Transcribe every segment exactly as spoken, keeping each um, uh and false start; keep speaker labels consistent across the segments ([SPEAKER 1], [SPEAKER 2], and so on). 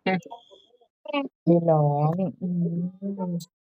[SPEAKER 1] ไม่ร้องอืม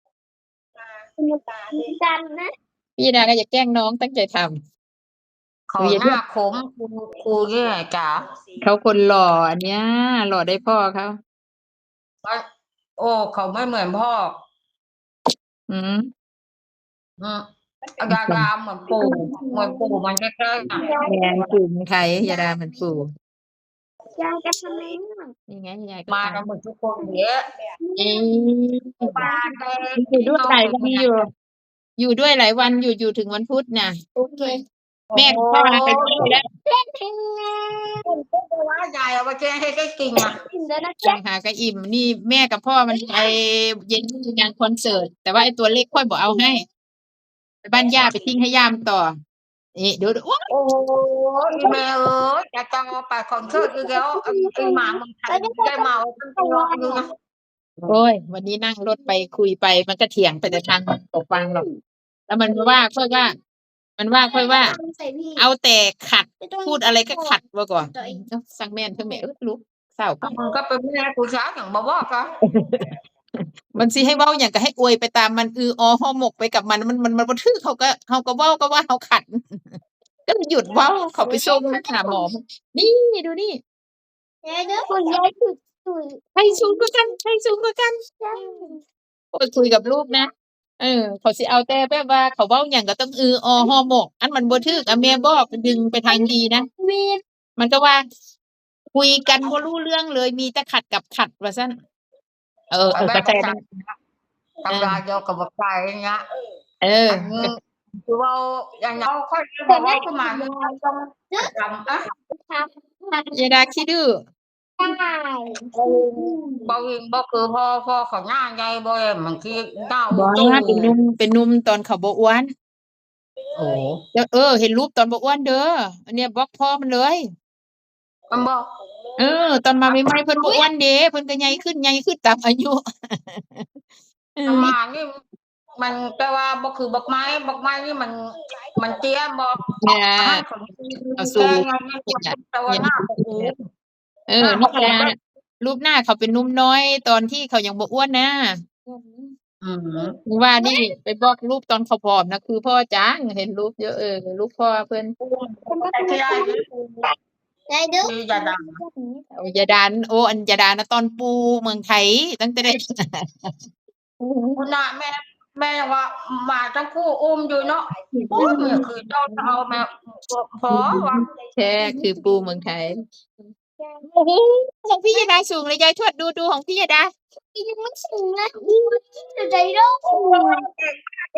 [SPEAKER 2] ดันนะ
[SPEAKER 1] พี่ดาก็อย่าแกล้งน้องตั้งใจทำห
[SPEAKER 3] เขา
[SPEAKER 1] นูอย่า
[SPEAKER 3] หน้า
[SPEAKER 1] เรียก
[SPEAKER 3] คมครูครูเนี่ยจ๋า
[SPEAKER 1] เขาคนหล่ออันเนี้ยหล่อได้พ่อเขา
[SPEAKER 3] โอ้เขาไม่เหมือนพ่อ
[SPEAKER 1] อืม
[SPEAKER 3] อืมดาดาเหมือนปู่เหมือนปู่มันใกล้ๆอ่ะ
[SPEAKER 1] แมนปู่เมืองไทยยาดาเหมือนปู่
[SPEAKER 2] ยายจะทำไมอ่ะ
[SPEAKER 1] นี่ไงยายก็
[SPEAKER 3] มา
[SPEAKER 1] ท
[SPEAKER 3] กันหมดทุกคนเยอะ
[SPEAKER 1] ำเอ๊ะ
[SPEAKER 3] ปลาแดง
[SPEAKER 1] อยู่ด้วยหลาย
[SPEAKER 3] น้องเป็น
[SPEAKER 1] วันอยู่ อยู่ด้วยหลายวันอยู่อยู่ถึงวันพุธน่ะ
[SPEAKER 2] โอเค
[SPEAKER 3] โอ้
[SPEAKER 1] แม่กับพ่อลาไปด้วยแล้ว
[SPEAKER 3] คุณก็ว่ายายเอาไปแกงให้ได้กินอ่ะ
[SPEAKER 2] กินแล้วนะ
[SPEAKER 1] ต่างหากก็อิ่มนี่แม่กับพ่อมันไปเย็นงานคอนเสิร์ตแต่ว่าไอ้ตัวเล็กค่อยบอกเอาให้ไปบ้านย่าไปทิ้งให้ย่ามต่อนี่เดี๋ยวโอ๊ย
[SPEAKER 3] โอ้ยแม่เอ้ยจะจองไปคอนเสิร์ตอีกแล้วไอ้หมาเมืองไทยได้เมาตั้งตัวนึงนะ
[SPEAKER 1] โอ้ยวันนี้นั่งรถไปคุยไปมันก็เถียงไปแต่ทางตกฟังหรอกแล้วมันว่าค่อยว่า มันว่าค่อยว่า เอาแต่ขัดพูดอะไรก็ขัดว่าก่อนเอ้าสั่งแม่นเธอแม่เออลูกเศร้าก่อน
[SPEAKER 3] มันก็เป็นแม่กูช้าอย่างบอกว่าก็
[SPEAKER 1] มันสิให้เว้าอย่างก็ให้อวยไปตามมันอืออห่อหมกไปกับมันมันมันมันบ่ถือเขาก็เขาก็เว้าก็ว่าเขาขัด ก็เลยหยุดเว้าเขาไปส่งหาหมอนี่ดูนี่
[SPEAKER 2] ยายเด้อคุณยายคือคือ
[SPEAKER 1] ใครสูงกว่ากันใครสูงกว่ากันโอ้ยคุยกับลูกนะเออเขาสิเอาแต่แบบว่าเขาเว้าหยังก็ต้องอืออห่อหมก อันมันบ่ถูกอะแม่บอกดึงไปทางดีนะ
[SPEAKER 2] วีด
[SPEAKER 1] มันก็ว่า คุยกันบ่รู้เรื่องเลยมีแต่ขัดกับขัดว่าซั่นเออเออ
[SPEAKER 3] แม่
[SPEAKER 1] ก็
[SPEAKER 3] ก็
[SPEAKER 1] แต่
[SPEAKER 3] ใช่
[SPEAKER 1] นั้น
[SPEAKER 3] ทำลายเดียวกับบักไก่อย่างเงี้ย
[SPEAKER 1] เออ
[SPEAKER 3] อันนี้คือว่าอย่างเราค่อยบอกว่าขึ้นมาต้องทำอ่ะ
[SPEAKER 2] ครับ
[SPEAKER 1] ยายดาขี้ดื้อ
[SPEAKER 2] ได้
[SPEAKER 3] บ่วิงบ่คือพ่อพ่อเขาหน้าใหญ่บ่เอ็มบางทีหน้า
[SPEAKER 1] บ่
[SPEAKER 3] ตู้
[SPEAKER 1] เป็นหนุ่มเป็นหนุ่มตอนเขาบ่อ้วน
[SPEAKER 3] โอ้
[SPEAKER 1] แล้วเออเห็นรูปตอนบ่อ้วนเด้ออันเนี้ยบล็อกพ่อมันเลย
[SPEAKER 3] มันบ่
[SPEAKER 1] เออ ตอนมาใหม่ๆเพิ่นบ่อ้วนเด้เพิ่นก็ใหญ่ขึ้นใหญ่ขึ้นตามอายุ เออ
[SPEAKER 3] มานี่มันแต่ว่าบ่คือบักไม้บักไม้นี่มัน มันเตี้ยบ่
[SPEAKER 1] แหน่
[SPEAKER 3] ให้ของ
[SPEAKER 1] เอาสู
[SPEAKER 3] แก
[SPEAKER 1] ง
[SPEAKER 3] งอย่างนี้แต่ว่าหน้าก็คือ
[SPEAKER 1] เออนี่นะรูปหน้าเขาเป็นหนุ่มน้อยตอนที่เขายังบ่อ้วนนะ
[SPEAKER 3] อืม
[SPEAKER 1] ว่านี่ไปบอกรูปตอนเขาผอมนะคือพ่อจังเห็นรูปเยอะเออรูปพ่อเพิ่น
[SPEAKER 3] แต่ที่ได้นี่
[SPEAKER 2] ยายเด้อ
[SPEAKER 3] คืออย่าดัง
[SPEAKER 1] โอ้ยาดานโอ้อันยาดานะตอนปูเมืองไทยตั้งแต่ได้
[SPEAKER 3] คุณน่ะแม่แม่ว่ามาทั้งคู่อุ้มอยู่เนาะโอ้ยเนี่ยคือเจ้าเอาแม่พอว่า
[SPEAKER 1] แท้คือปูเมืองไทยโอ้โหของพี่ยาดาสูงเลยยายทวดดูดูของพี่ยาดา
[SPEAKER 2] ยังไม่ถึงนะจะได้เด้อ
[SPEAKER 3] โอ้ยเก่งมากเลย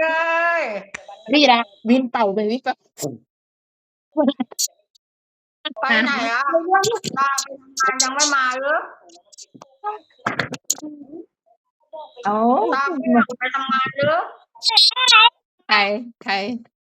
[SPEAKER 1] พี่ยาดาวินเป่าไปวินเป่า
[SPEAKER 3] ไปไหนอ่ะตาไปทำงานยังไม่มาหรือ
[SPEAKER 1] โอ้
[SPEAKER 3] ตาไปทำงานหรือ
[SPEAKER 1] ใครใคร